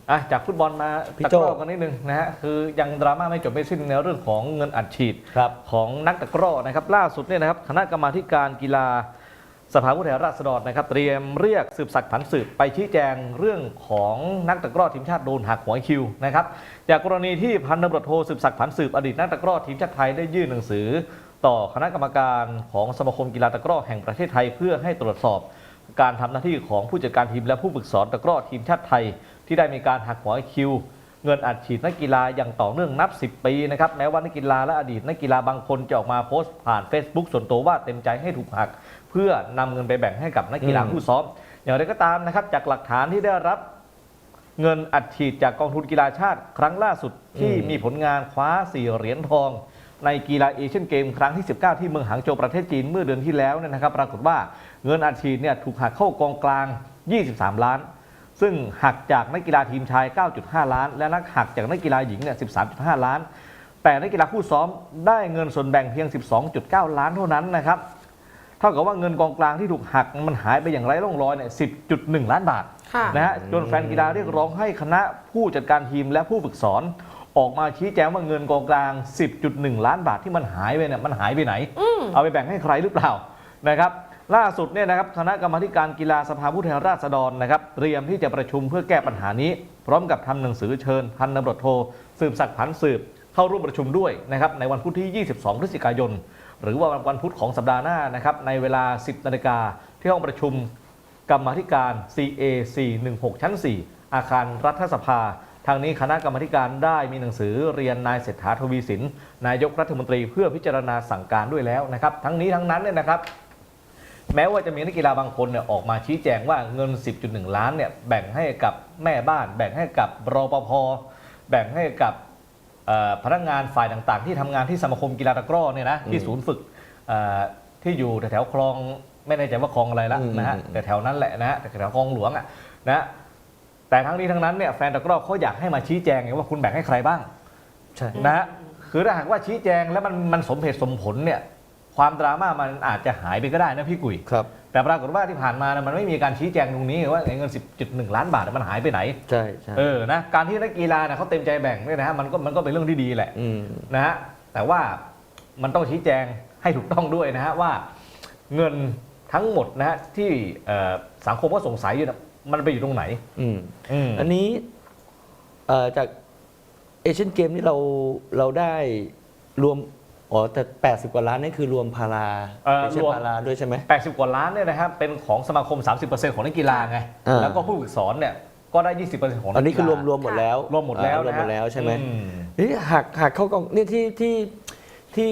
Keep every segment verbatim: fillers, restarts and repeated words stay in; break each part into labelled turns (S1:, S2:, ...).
S1: อ่ะจากฟุตบอลมา
S2: พี่
S1: ตะ
S2: โจ้
S1: กร้อกันนิดนึงนะฮะคือยังดราม่าไม่จบไม่สิ้นในเรื่องของเงินอัดฉีด
S2: ครับ
S1: ของนักตะกร้อนะครับล่าสุดเนี่ยนะครับคณะกรรมาธิการกีฬาสภาผู้แทนราษฎรนะครับเตรียมเรียกสืบสักดิ์ผันสืบไปชี้แจงเรื่องของนักตะกร้อทีมชาติโดนหักหัวคิวนะครับจากกรณีที่พันตำรวจโทสืบสักดิ์ผันสืบอดีตนักตะกร้อทีมชาติไทยได้ยื่นหนังสือ ต่อคณะกรรมการของสมาคมกีฬาตะกร้อแห่งประเทศไทยเพื่อให้ตรวจสอบการทำหน้าที่ของผู้จัดการทีมและผู้ฝึกสอนตะกร้อทีมชาติไทยที่ได้มีการหักหัวคิวเงินอัดฉีดนักกีฬาอย่างต่อเนื่องนับสิบปีนะครับแม้ว่านักกีฬาและอดีตนักกีฬาบางคนจะออกมาโพสต์ผ่าน Facebook ส่วนตัวว่าเต็มใจให้ถูกหักเพื่อนำเงินไปแบ่งให้กับนักกีฬาผู้ซ้อมอย่างไรก็ตามนะครับจากหลักฐานที่ได้รับเงินอัดฉีดจากกองทุนกีฬาชาติครั้งล่าสุดที่มีผลงานคว้าสี่เหรียญทองในกีฬาเอเชียนเกมครั้งที่สิบเก้าที่เมืองหางโจวประเทศจีนเมื่อเดือนที่แล้วเนี่ยนะครับปรากฏว่าเงินอัดฉีดเนี่ยถูกหักเข้ากองกลางยี่สิบสามล้านซึ่งหักจากนักกีฬาทีมชาย เก้าจุดห้า ล้าน และนักหักจากนักกีฬาหญิงเนี่ย สิบสามจุดห้า ล้านแต่นักกีฬาคู่ซ้อมได้เงินส่วนแบ่งเพียง สิบสองจุดเก้า ล้านเท่านั้นนะครับเท่ากับว่าเงินกองกลางที่ถูกหักมันหายไปอย่างไร้ร่องรอยเนี่ย สิบจุดหนึ่ง ล้านบาทนะฮะจนแฟนกีฬาเรียกร้องให้คณะผู้จัดการทีมและผู้ฝึกสอนออกมาชี้แจงว่าเงินกองกลาง สิบจุดหนึ่ง ล้านบาทที่มันหายไปเนี่ยมันหายไปไหนเอาไปแบ่งให้ใครหรือเปล่านะครับล่าสุดเนี่ยนะครับคณะกรรมาธิการกีฬาสภาผู้แทนราษฎรนะครับเตรียมที่จะประชุมเพื่อแก้ปัญหานี้พร้อมกับทำหนังสือเชิญพันตำรวจโทสืบศักดิ์ผันสืบเข้าร่วมประชุมด้วยนะครับในวันพุธที่ยี่สิบสองพฤศจิกายนหรือว่าวันพุธของสัปดาห์หน้านะครับในเวลา สิบนาฬิกาที่ห้องประชุมกรรมาธิการ ซี เอ สี่หนึ่งหก ชั้น สี่ อาคารรัฐสภาทางนี้คณะกรรมาธิการได้มีหนังสือเรียนนายเศรษฐาทวีสินนายกรัฐมนตรีเพื่อพิจารณาสั่งการด้วยแล้วนะครับทั้งนี้ทั้งนั้นเนี่ยนะครับแม้ว่าจะมีนักกีฬาบางคนเนี่ยออกมาชี้แจงว่าเงิน สิบจุดหนึ่ง ล้านเนี่ยแบ่งให้กับแม่บ้านแบ่งให้กับรปภ.แบ่งให้กับพนักงานฝ่ายต่างๆที่ทำงานที่สมาคมกีฬาตะกร้อเนี่ยนะที่ศูนย์ฝึกที่อยู่แถวๆคลองไม่แน่ใจว่าคลองอะไรละนะฮะแต่แถวนั้นแหละนะฮะแต่แถวคลองหลวงอ่ะนะแต่ทั้งนี้ทั้งนั้นเนี่ยแฟนตะกร้อเขาอยากให้มาชี้แจงไงว่าคุณแบ่งให้ใครบ้างใช่นะฮะคือถ้าหากว่าชี้แจงแล้วมันมันสมเหตุสมผลเนี่ยความดราม่ามันอาจจะหายไปก็ได้นะพี่กุย
S2: ครับ
S1: แต่ปรากฏว่าที่ผ่านมามันไม่มีการชี้แจงตรงนี้ว่าเงิน สิบจุดหนึ่ง ล้านบาทมันหายไปไหน
S2: ใช่ใช่
S1: เออนะการที่นักกีฬาเนี่ยเขาเต็มใจแบ่งเนี่ยนะฮะมันก็มันก็เป็นเรื่องที่ดีแหละนะฮะแต่ว่ามันต้องชี้แจงให้ถูกต้องด้วยนะฮะว่าเงินทั้งหมดนะฮะที่สังคมก็สงสัยอยู่นะมันไปอยู่ตรงไหน
S2: อืมอันนี้จากเอเชียนเกมนี่เราเราได้รวมอ๋อแต่แปดสิบกว่าล้านนี่คือรวมพาราเอเชียนพาราด้วยใช่ไหม
S1: แปดสิบกว่าล้านเนี่ยนะครับเป็นของสมาคม สามสิบเปอร์เซ็นต์ ของนักกีฬาไงแล้วก็ผู้ฝึกสอนเนี่ยก็ได้ ยี่สิบเปอร์เซ็นต์ ของนักกีฬา
S2: อันนี้คือรวมรวมหมดแล้ว
S1: รวมหมดแล้ว
S2: รวมหมดแล้วใช่ไหมนี่หักหักเข้ากองนี่ที่ที่ที่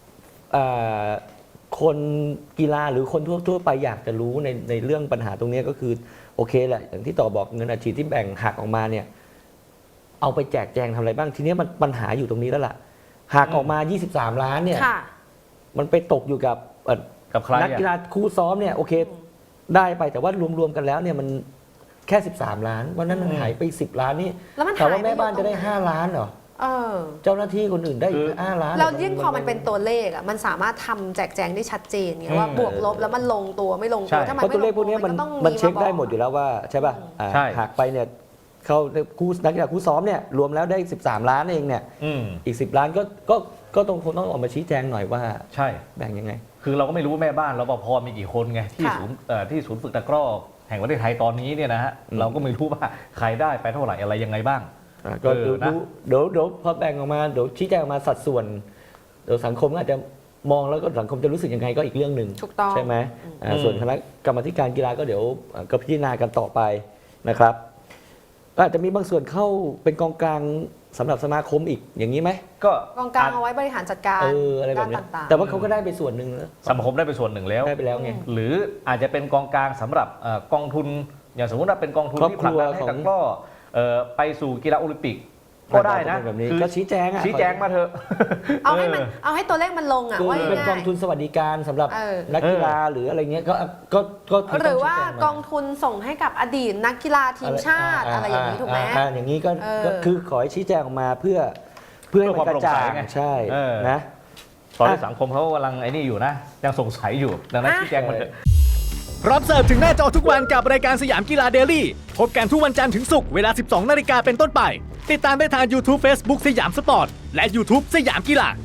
S2: คนกีฬาหรือคนทั่วทั่วไปอยากจะรู้ในในเรื่องปัญหาตรงนี้ก็คือโอเคแหละอย่างที่ต่อบอกเงินอัดฉีดที่แบ่งหักออกมาเนี่ยเอาไปแจกแจงทำอะไรบ้างทีนี้มันปัญหาอยู่ตรงนี้แล้วล่ะหักออกมายี่สิบสามล้านเนี่ยมันไปตกอยู่กับ
S1: กับใคร
S2: นักกีฬาคู่ซ้อมเนี่ยโอเคได้ไปแต่ว่ารวมๆกันแล้วเนี่ยมันแค่สิบสามล้านวันนั้นมันหายไปสิบล้านนี่แต่ว่าแม่บ้านจะได้ห้าล้านเหรอเจ้าหน้าที่คนอื่นได้อีกห้าล้าน
S3: เรายิ่งพอมันเป็นตัวเลขอ่ะมันสามารถทำแจกแจงได้ชัดเจนไงว่าบวกลบแล้วมันลงตัวไม่ลงตัวถ้ามันไม่ลงตัว
S2: ตัวเลขพวกนี้มันมันเช็คได้หมดอยู่แล้วว่าใช่ป่ะหักไปเนี่ยเขาคู่นักกีฬาคู่ซ้อมเนี่ยรวมแล้วได้สิบสามล้านเองเนี่ยอีกสิบล้านก็ก็ก็ต้องคงต้องออกมาชี้แจงหน่อยว่า
S1: ใช่
S2: แบ่งยังไง
S1: คือเราก็ไม่รู้แม่บ้านรปภ.มีกี่คนไงที่ศูนย์ที่ศูนย์ฝึกตะกร้อแห่งประเทศไทยตอนนี้เนี่ยนะฮะเราก็ไม่รู้ว่าใครได้ไปเท่าไหร่อะไรยังไงบ้าง
S2: ก็เดี๋ยวเดี๋ยวเดี๋ยวพอแบ่งออกมาเดี๋ยวชี้แจงออกมาสัดส่วนเดี๋ยวสังคมอาจจะมองแล้วก็สังคมจะรู้สึกยังไงก็อีกเรื่องหนึ่งใช่ไหมส่วนคณะกรรมการกีฬาก็เดี๋ยวก็พิจารณากันต่อไปนะครับก็อาจจะมีบางส่วนเข้าเป็นกองกลางสำหรับสมาคมอีกอย่างนี้ไหม
S3: ก็กองกลางเอาไว้บริหารจัดการ
S2: เอออะไรแบบนี้แต่ว่าเขาก็ได้ไปส่วนหนึ่งแล้ว
S1: สมาคมได้ไปส่วนหนึ่งแล้ว
S2: ได้ไปแล้วไง
S1: หรืออาจจะเป็นกองกลางสำหรับกองทุนอย่างสมมติว่าเป็นกองทุนที่ผลักดันให้ตะกร้อไปสู่กีฬาโอลิมปิกก็ได้นะ
S2: คือก็ชี้แจง
S1: ชี้แจงมาเถอะ
S3: เอาให้มันเอาให้ตัวเลขมันลงอ่ะว่า
S2: เป็นกองทุนสวัสดิการสำหรับนักกีฬาหรืออะไรเงี้ยก็ก็
S3: ก็หรือว่ากองทุนส่งให้กับอดีตนักกีฬาทีมชาติอะไรอย่างนี้ถูกไหม
S2: อย่างนี้ก็คือขอให้ชี้แจงออกมาเพื่อเพื่อให้มันกระจ่างใช่นะ
S1: ตอนนี้สังคมเขากำลังไอ้นี่อยู่นะยังสงสัยอยู่ดังนั้นชี้แจงมาเถอะ
S4: พร้อมเสิร์ฟถึงหน้าจอทุกวันกับรายการสยามกีฬาเดลี่พบกันทุกวันจันทร์ถึงศุกร์เวลา สิบสองนาฬิกาเป็นต้นไปติดตามได้ทาง YouTube Facebook สยามสปอร์ตและ YouTube สยามกีฬา